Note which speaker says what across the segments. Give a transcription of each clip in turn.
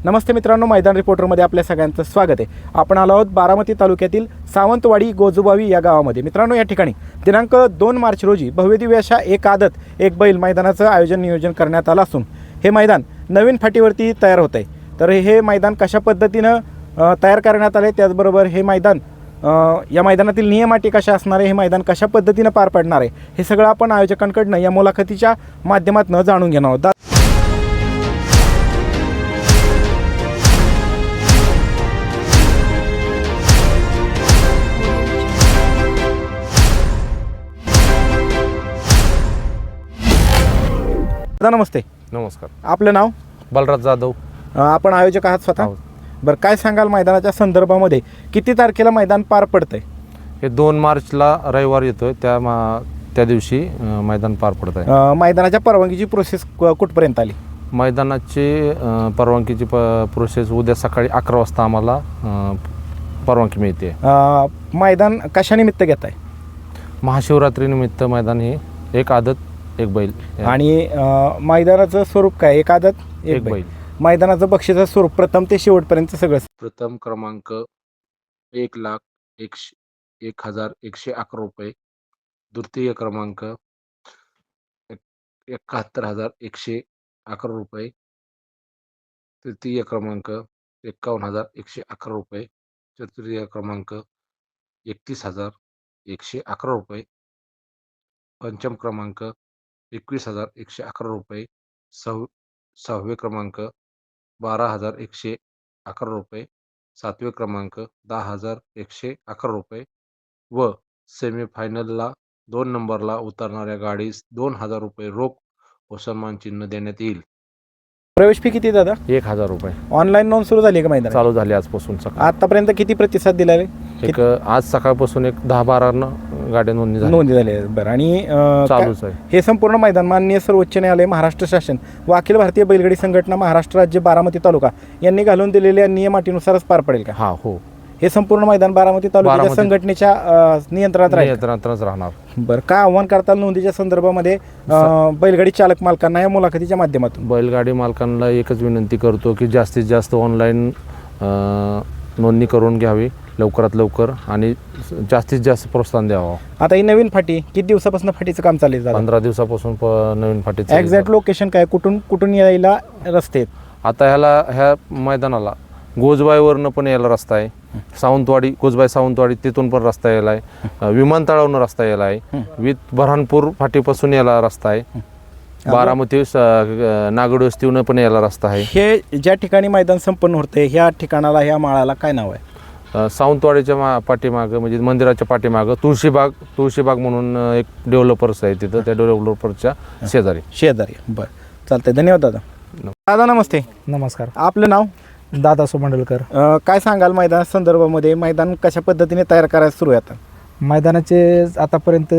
Speaker 1: नमस्ते मित्रांनो, मैदान रिपोर्टरमध्ये आपल्या सगळ्यांचं स्वागत आहे. आपण आलो आहोत बारामती तालुक्यातील सावंतवाडी गोजूबावी या गावामध्ये. मित्रांनो, या ठिकाणी दिनांक 2 मार्च रोजी भव्यदिव्य अशा एक आदत एक बैल मैदानाचं आयोजन नियोजन करण्यात आलं असून हे मैदान नवीन फाटीवरती तयार होत आहे. तर हे मैदान कशा पद्धतीनं तयार करण्यात आले, त्याचबरोबर हे मैदान या मैदानातील नियम अटी कशा असणार आहे, हे मैदान कशा पद्धतीनं पार पडणार आहे, हे सगळं आपण आयोजकांकडनं या मुलाखतीच्या माध्यमातून जाणून घेणार आहोत. दादा नमस्ते.
Speaker 2: नमस्कार.
Speaker 1: आपलं नाव?
Speaker 2: बलराज जाधव.
Speaker 1: आपण आयोजक आहात स्वतः? बरं, काय सांगाल मैदानाच्या संदर्भामध्ये किती तारखेला मैदान पार पडतंय?
Speaker 2: हे 2 मार्चला रविवार येतोय, त्या दिवशी मैदान पार पडत आहे.
Speaker 1: मैदानाच्या परवानगीची प्रोसेस कुठपर्यंत आली?
Speaker 2: मैदानाची परवानगीची प्रोसेस उद्या सकाळी 11 वाजता आम्हाला परवानगी मिळते.
Speaker 1: मैदान कशानिमित्त घेत आहे?
Speaker 2: महाशिवरात्रीनिमित्त मैदान हे एक आदत एक बैल.
Speaker 1: आणि मैदानाचं स्वरूप काय? एक आदत एक बैल. मैदानाचं बक्षीचं स्वरूप प्रथम ते शेवटपर्यंत सगळं.
Speaker 2: प्रथम क्रमांक 1,01,111 रुपये. द्वितीय क्रमांक 71,111 रुपये. तृतीय क्रमांक 51,111 रुपये. चतुर्थ क्रमांक 31,111 रुपये. पंचम क्रमांक 21,111 रुपये. सहावे क्रमांक 12,111 रुपये. सातवे क्रमांक 10,111 रुपये व सेमीफायनलला 2 नंबरला उतरणाऱ्या गाडीस 2,000 रुपये रोख व सन्मान चिन्ह देण्यात येईल.
Speaker 1: प्रवेश फी किती दादा?
Speaker 2: 1,000 रुपये.
Speaker 1: ऑनलाईन नोंद सुरू झाली का? मैदान
Speaker 2: चालू झाली आजपासून. सकाळ
Speaker 1: आतापर्यंत किती प्रतिसाद दिला?
Speaker 2: आज सकाळपासून 10-12 गाड्या नोंदणी झाली
Speaker 1: आहे. बरं, आणि
Speaker 2: चालूच आहे
Speaker 1: हे संपूर्ण मैदान माननीय सर्वोच्च न्यायालय, महाराष्ट्र शासन व अखिल भारतीय बैलगाडी संघटना, महाराष्ट्र राज्य, बारामती तालुका यांनी घालून दिलेल्या नियम अटीनुसारच पार पडेल का?
Speaker 2: हा, हो.
Speaker 1: हे संपूर्ण मैदान बारामती तालुक्याच्या संघटनेच्या नियंत्रणात
Speaker 2: राहणार.
Speaker 1: बरं, काय आव्हान करताल नोंदीच्या संदर्भामध्ये बैलगाडी चालक मालकांना या मुलाखतीच्या माध्यमातून?
Speaker 2: बैलगाडी मालकांना एकच विनंती करतो की जास्तीत जास्त ऑनलाईन नोंदणी करून घ्यावी लवकरात लवकर आणि जास्तीत जास्त प्रोत्साहन द्यावं.
Speaker 1: आता ही नवीन फाटी किती दिवसापासून फाटीचं काम चालू आहे?
Speaker 2: 15 दिवसापासून नवीन फाटीचं.
Speaker 1: एक्झॅक्ट लोकेशन काय? कुठून यायला रस्ते आहेत?
Speaker 2: आता ह्या मैदानाला गोजबाईवरनं पण यायला रस्ता आहे. सावंतवाडी, गोजबाई सावंतवाडी तिथून पण रस्ता यायला आहे. विमानतळावरून रस्ता यायला आहे. बऱ्हाणपूर फाटीपासून यायला रस्ता आहे. बारामती नागड वस्तीवरून पण यायला रस्ता आहे.
Speaker 1: हे ज्या ठिकाणी मैदान संपन्न होते ह्या ठिकाणाला, ह्या माळाला काय नाव आहे?
Speaker 2: सावंतवाडीच्या पाठीमागं म्हणजे मंदिराच्या पाठीमागं तुळशीबाग म्हणून एक डेव्हलपर्स आहे तिथं. त्या डेव्हलपर्सच्या शेजारी.
Speaker 1: बरं, चालतंय. धन्यवाद दादा. दादा नमस्ते.
Speaker 3: नमस्कार.
Speaker 1: आपलं नाव?
Speaker 3: दादा सोमंडलकर.
Speaker 1: काय सांगाल मैदाना संदर्भामध्ये? मैदान कशा पद्धतीने तयार करायला सुरू आहे? आता
Speaker 3: मैदानाचे आतापर्यंत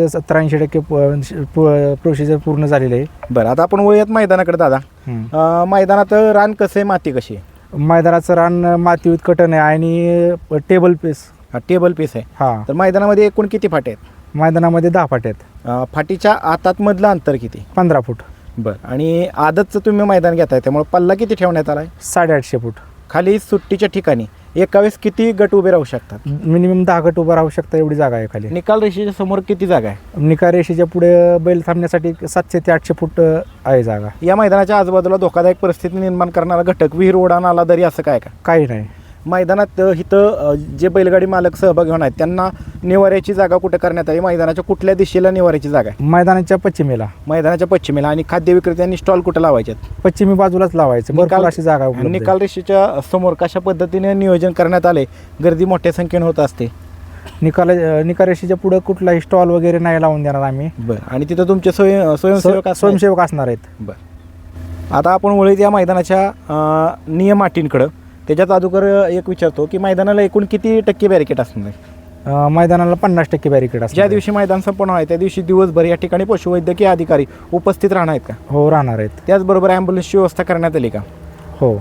Speaker 3: 87% प्रोसिजर पूर्ण झालेले आहे.
Speaker 1: बरं, आता आपण वळूयात मैदानाकडे. दादा, मैदानात रान कसं आहे, माती कशी आहे?
Speaker 3: मैदानाचं रान माती कटन आहे आणि टेबल पीस आहे.
Speaker 1: हां. तर मैदानामध्ये एकूण किती फाटे आहेत?
Speaker 3: मैदानामध्ये 10 फाटे आहेत.
Speaker 1: फाटीच्या आतातमधलं अंतर किती?
Speaker 3: 15 फूट.
Speaker 1: बरं, आणि आदतचं तुम्ही मैदान घेताय त्यामुळे पल्ला किती ठेवण्यात आला आहे?
Speaker 3: 850 फूट.
Speaker 1: खाली सुट्टीच्या ठिकाणी एका वेळेस किती गट उभे राहू शकतात?
Speaker 3: मिनिमम 10 गट उभं राहू शकता एवढी जागा आहे खाली.
Speaker 1: निकाल रेषेच्या समोर किती जागा आहे?
Speaker 3: निकाल रेषेच्या पुढे बैल थांबण्यासाठी 700 ते 800 फूट आहे जागा.
Speaker 1: या मैदानाच्या आजूबाजूला धोकादायक परिस्थिती निर्माण करणारा घटक, विहीर, ओढा, नाला, दरी असं काय का?
Speaker 3: काही नाही.
Speaker 1: मैदानात इथं जे बैलगाडी मालक सहभागी होणार आहेत त्यांना निवाऱ्याची जागा कुठे करण्यात आली? मैदानाच्या कुठल्या दिशेला निवाऱ्याची जागा आहे?
Speaker 3: मैदानाच्या पश्चिमेला.
Speaker 1: मैदानाच्या पश्चिमेला. आणि खाद्य विक्रेत्यांनी स्टॉल कुठे लावायचे?
Speaker 3: पश्चिमी बाजूलाच लावायचं. भरपूर अशी जागा उपलब्ध आहे.
Speaker 1: निकाल रेषेच्या समोर कशा पद्धतीने नियोजन करण्यात आले? गर्दी मोठ्या संख्येने होत असते.
Speaker 3: निकाल रेषेच्या पुढे कुठलाही स्टॉल वगैरे नाही लावून देणार आम्ही.
Speaker 1: बरं, आणि तिथं तुमचे स्वयंसेवक
Speaker 3: असणार आहेत.
Speaker 1: बरं, आता आपण वळूया या मैदानाच्या नियम अटींकडं. त्याच्यात अगोदर एक विचारतो की मैदानाला एकूण किती टक्के बॅरिकेड असणार आहे?
Speaker 3: मैदानाला 50% बॅरिकेड असणार.
Speaker 1: ज्या दिवशी मैदान संपन्न आहे त्या दिवशी दिवसभर या ठिकाणी पशुवैद्यकीय अधिकारी उपस्थित राहणार आहेत का?
Speaker 3: हो, राहणार आहेत.
Speaker 1: त्याचबरोबर ॲम्ब्युलन्सची व्यवस्था करण्यात आली का?
Speaker 3: हो.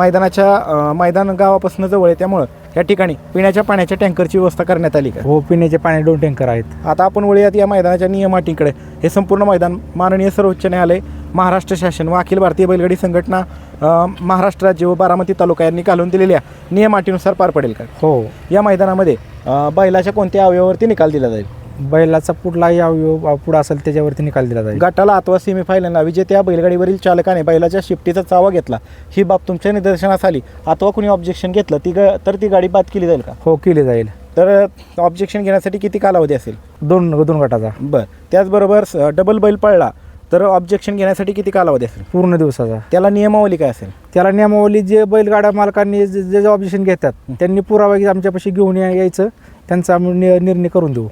Speaker 1: मैदान गावापासून जवळ आहे त्यामुळं या ठिकाणी पिण्याच्या पाण्याच्या टँकरची व्यवस्था करण्यात आली का?
Speaker 3: हो, पिण्याचे पाणी 2 टँकर आहेत.
Speaker 1: आता आपण वळूयात या मैदानाच्या नियम अटींकडे. हे संपूर्ण मैदान माननीय सर्वोच्च न्यायालय, महाराष्ट्र शासन व अखिल भारतीय बैलगाडी संघटना महाराष्ट्र राज्य व बारामती तालुका यांनी घालून दिलेल्या नियम अटीनुसार पार पडेल का?
Speaker 3: हो.
Speaker 1: या मैदानामध्ये बैलाच्या कोणत्या अवयवावरती निकाल दिला जाईल?
Speaker 3: बैलाचा पुढलाही अवयव पुढं असेल त्याच्यावरती निकाल दिला जाईल.
Speaker 1: गटाला अथवा सेमीफायनलला विजेत्या बैलगाडीवरील चालकाने बैलाच्या शिफ्टीचा चावा घेतला, ही बाब तुमच्या निदर्शनास आली अथवा कुणी ऑब्जेक्शन घेतलं तर ती गाडी बाद केली जाईल का?
Speaker 3: हो, केली जाईल.
Speaker 1: तर ऑब्जेक्शन घेण्यासाठी किती कालावधी असेल?
Speaker 3: दोन गटाचा.
Speaker 1: बरं. त्याचबरोबर डबल बैल पळला तर ऑब्जेक्शन घेण्यासाठी किती कालावधी असेल?
Speaker 3: पूर्ण दिवसाचा.
Speaker 1: त्याला नियमावली काय असेल?
Speaker 3: त्याला नियमावली जे बैलगाडा मालकांनी जे ऑब्जेक्शन घेतात त्यांनी पुरावा आमच्यापाशी घेऊन यायचं, त्यांचा आम्ही निर्णय करून देऊ.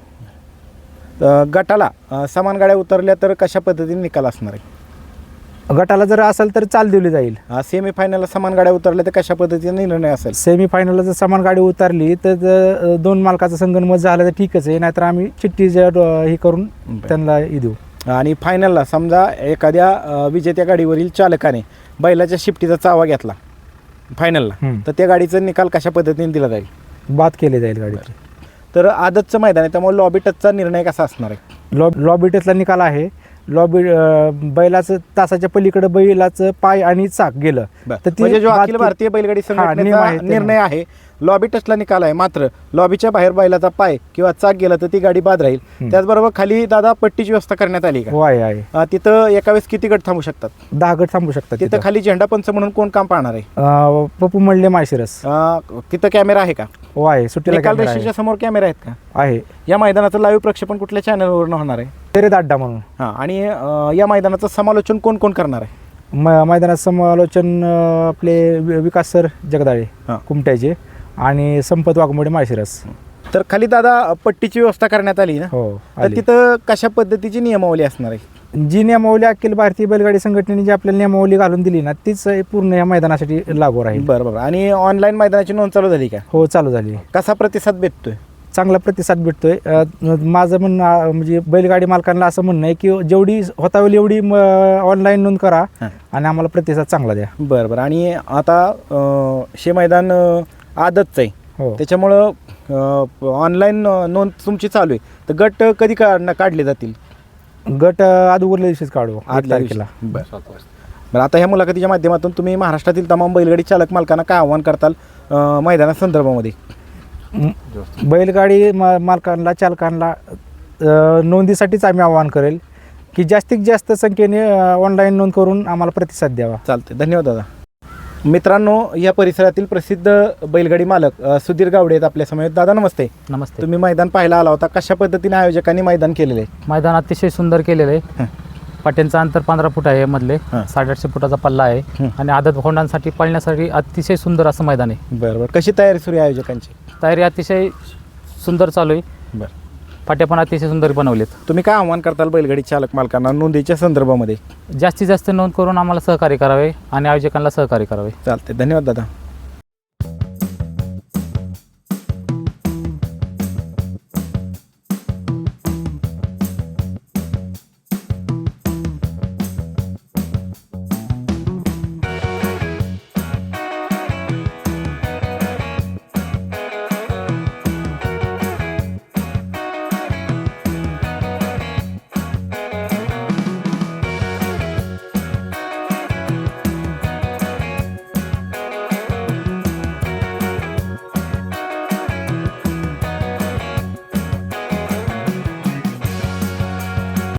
Speaker 1: गटाला समान गाड्या उतरल्या तर कशा पद्धतीने निकाल असणार आहे?
Speaker 3: गटाला जर असेल तर चाल दिली जाईल.
Speaker 1: सेमीफायनलला समान गाड्या उतरल्या तर कशा पद्धतीने निर्णय असेल?
Speaker 3: सेमीफायनलला जर समान गाडी उतरली तर दोन मालकाचं संगनमत झालं तर ठीकच आहे, नाहीतर आम्ही चिठ्ठी हे करून त्यांना देऊ.
Speaker 1: आणि फायनलला समजा एखाद्या विजेत्या गाडीवरील चालकाने बैलाच्या शिफ्टीचा चावा घेतला फायनलला, तर त्या गाडीचा निकाल कशा पद्धतीने दिला जाईल?
Speaker 3: बाद केली जाईल गाडीची.
Speaker 1: तर आदतचं मैदान आहे त्यामुळे लॉबी टचचा निर्णय कसा असणार आहे?
Speaker 3: लॉबी टचला निकाल आहे. बैलाचं तासाच्या पलीकडे बैलाचं पाय आणि चाक गेलं तर
Speaker 1: म्हणजे जो अखिल भारतीय बैलगाडी संघटनेचा निर्णय आहे, लॉबी टचला निकाल आहे, मात्र लॉबीच्या बाहेर बैलाचा पाय किंवा चाक गेला तर ती गाडी बाद राहील. त्याचबरोबर खाली दादा पट्टीची व्यवस्था करण्यात आली का?
Speaker 3: आहे.
Speaker 1: तिथं एका वेळेस किती गट थांबू शकतात?
Speaker 3: 10 गट थांबू शकतात.
Speaker 1: तिथं खाली झेंडा पंच म्हणून कोण काम पाहणार आहे?
Speaker 3: पप्पू मंडले माळशिरस.
Speaker 1: तिथं कॅमेरा आहे का?
Speaker 3: आहे. सुट्टीला
Speaker 1: निकाल
Speaker 3: कॅमेरा
Speaker 1: रेषेच्या समोर कॅमेरा आहेत का?
Speaker 3: आहे.
Speaker 1: या मैदानाचं लाईव्ह प्रक्षेपण कुठल्या चॅनलवरून होणार आहे?
Speaker 3: तेरे दाड्डा म्हणून.
Speaker 1: आणि या मैदानाचं समालोचन कोण कोण करणार आहे?
Speaker 3: मैदानात समालोचन आपले विकास सर जगदाळे कुमट्याचे आणि संपत वाघमोडे माळशिरस.
Speaker 1: तर खाली दादा पट्टीची व्यवस्था करण्यात आली ना?
Speaker 3: हो.
Speaker 1: तर तिथं कशा पद्धतीची नियमावली असणार आहे?
Speaker 3: जी नियमावली अखिल भारतीय बैलगाडी संघटनेने जी आपल्याला नियमावली घालून दिली ना तीच पूर्ण या मैदानासाठी लागू राहील.
Speaker 1: बरोबर. आणि ऑनलाईन मैदानाची नोंद चालू झाली का?
Speaker 3: हो, चालू झाली.
Speaker 1: कसा प्रतिसाद भेटतोय?
Speaker 3: चांगला प्रतिसाद भेटतोय. माझं म्हणणं म्हणजे बैलगाडी मालकांना असं म्हणणं आहे की जेवढी होता होईल एवढी ऑनलाईन नोंद करा आणि आम्हाला प्रतिसाद चांगला द्या.
Speaker 1: बरं. आणि आता शे मैदान आदतचं आहे,
Speaker 3: हो,
Speaker 1: त्याच्यामुळं ऑनलाईन नोंद तुमची चालू आहे, तर गट कधी काढले जातील?
Speaker 3: गट अगोदरल्या दिवशीच काढू, 8 तारखेला.
Speaker 1: बरं. आता ह्या मुलाखतीच्या माध्यमातून तुम्ही महाराष्ट्रातील तमाम बैलगाडी चालक मालकांना काय आव्हान करताल मैदानासंदर्भामध्ये?
Speaker 3: बैलगाडी मालकांना चालकांना नोंदीसाठीच आम्ही आवाहन करेल की जास्तीत जास्त संख्येने ऑनलाईन नोंद करून आम्हाला प्रतिसाद द्यावा.
Speaker 1: चालते. धन्यवाद दादा. मित्रांनो, या परिसरातील प्रसिद्ध बैलगाडी मालक सुधीर गावडे आहेत आपल्या समोर. दादा नमस्ते.
Speaker 4: नमस्ते.
Speaker 1: तुम्ही मैदान पाहायला आला होता, कशा पद्धतीने आयोजकांनी मैदान केलेलं आहे?
Speaker 4: मैदान अतिशय सुंदर केलेलं आहे. पाट्यांचं अंतर 15 फूट आहे, मधले 850 फुटाचा पल्ला आहे आणि आदत होंडांसाठी पळण्यासाठी अतिशय सुंदर असं मैदान आहे.
Speaker 1: बरोबर. कशी तयारी सुरू आहे आयोजकांची?
Speaker 4: तयारी अतिशय सुंदर चालू आहे.
Speaker 1: बरं.
Speaker 4: पाट्या पण अतिशय सुंदर बनवलेत.
Speaker 1: तुम्ही काय आव्हान करताल बैलगाडी चालक मालकांना नोंदीच्या संदर्भामध्ये?
Speaker 4: जास्तीत जास्त नोंद करून आम्हाला सहकार्य करावे आणि आयोजकांना सहकार्य करावे.
Speaker 1: चालते. धन्यवाद दादा.